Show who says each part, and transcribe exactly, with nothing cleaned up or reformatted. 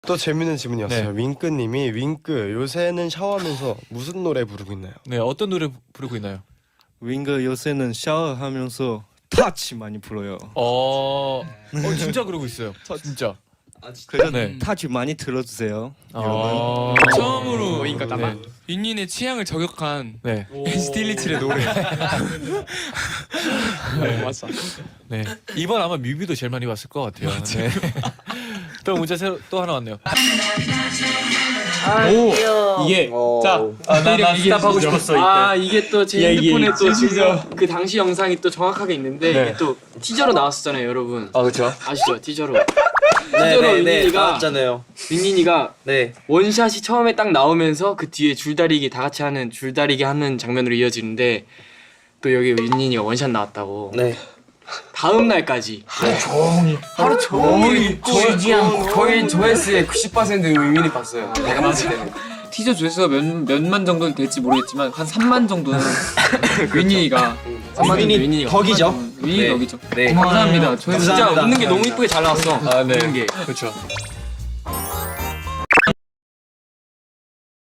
Speaker 1: 또 재밌는 질문이었어요.
Speaker 2: 네.
Speaker 1: 윙크님이 윙크 요새는 샤워하면서 무슨 노래 부르고 있나요?
Speaker 2: 네, 어떤 노래 부르고 있나요?
Speaker 3: 윙크 요새는 샤워하면서 타치 많이 불어요.
Speaker 2: 어, 어 진짜 그러고 있어요. 진짜.
Speaker 3: 그래서
Speaker 2: 네.
Speaker 3: 타치 많이 들어주세요.
Speaker 2: 아,
Speaker 4: 처음으로
Speaker 2: 네.
Speaker 4: 윤인의 취향을 저격한
Speaker 2: 네.
Speaker 4: 스틸리츠의 노래.
Speaker 2: 네, 맞아. 네. 이번 아마 뮤비도 제일 많이 봤을 것 같아요. 네. 또 문제 새로 또 하나 왔네요.
Speaker 4: 오 이게 자
Speaker 5: 나나 스탑 하고 싶었어.
Speaker 4: 아 이게 또 제 핸드폰에 또 지금 그 당시 영상이 또 정확하게 있는데
Speaker 2: 네.
Speaker 4: 이게 또 티저로 나왔었잖아요, 여러분.
Speaker 5: 아 그렇죠.
Speaker 4: 아시죠? 티저로.
Speaker 5: 네,
Speaker 4: 티저로
Speaker 5: 네, 네,
Speaker 4: 윤인이가
Speaker 5: 나왔잖아요.
Speaker 4: 윤인이가
Speaker 5: 네.
Speaker 4: 원샷이 처음에 딱 나오면서 그 뒤에 줄다리기 다 같이 하는 줄다리기 하는 장면으로 이어지는데 또 여기 윤인이가 원샷 나왔다고.
Speaker 5: 네.
Speaker 4: 다음 날까지
Speaker 6: 하루 종일 쉬지 않고 거의 조회수의 구십 퍼센트 의민이 봤어요. 내가 봤을 때는 티저 조회수가 몇, 몇만 정도 될지 모르겠지만 한 삼만 정도는 윈니가 삼만 정도 윈니가
Speaker 5: 덕이죠.
Speaker 6: 윈니
Speaker 5: 네.
Speaker 6: 덕이죠.
Speaker 5: 네.
Speaker 6: 감사합니다. 조회수
Speaker 4: 진짜
Speaker 5: 감사합니다.
Speaker 4: 웃는 게 너무 이쁘게 잘 나왔어.
Speaker 2: 아, 네.
Speaker 4: 웃는 게.
Speaker 2: 그렇죠.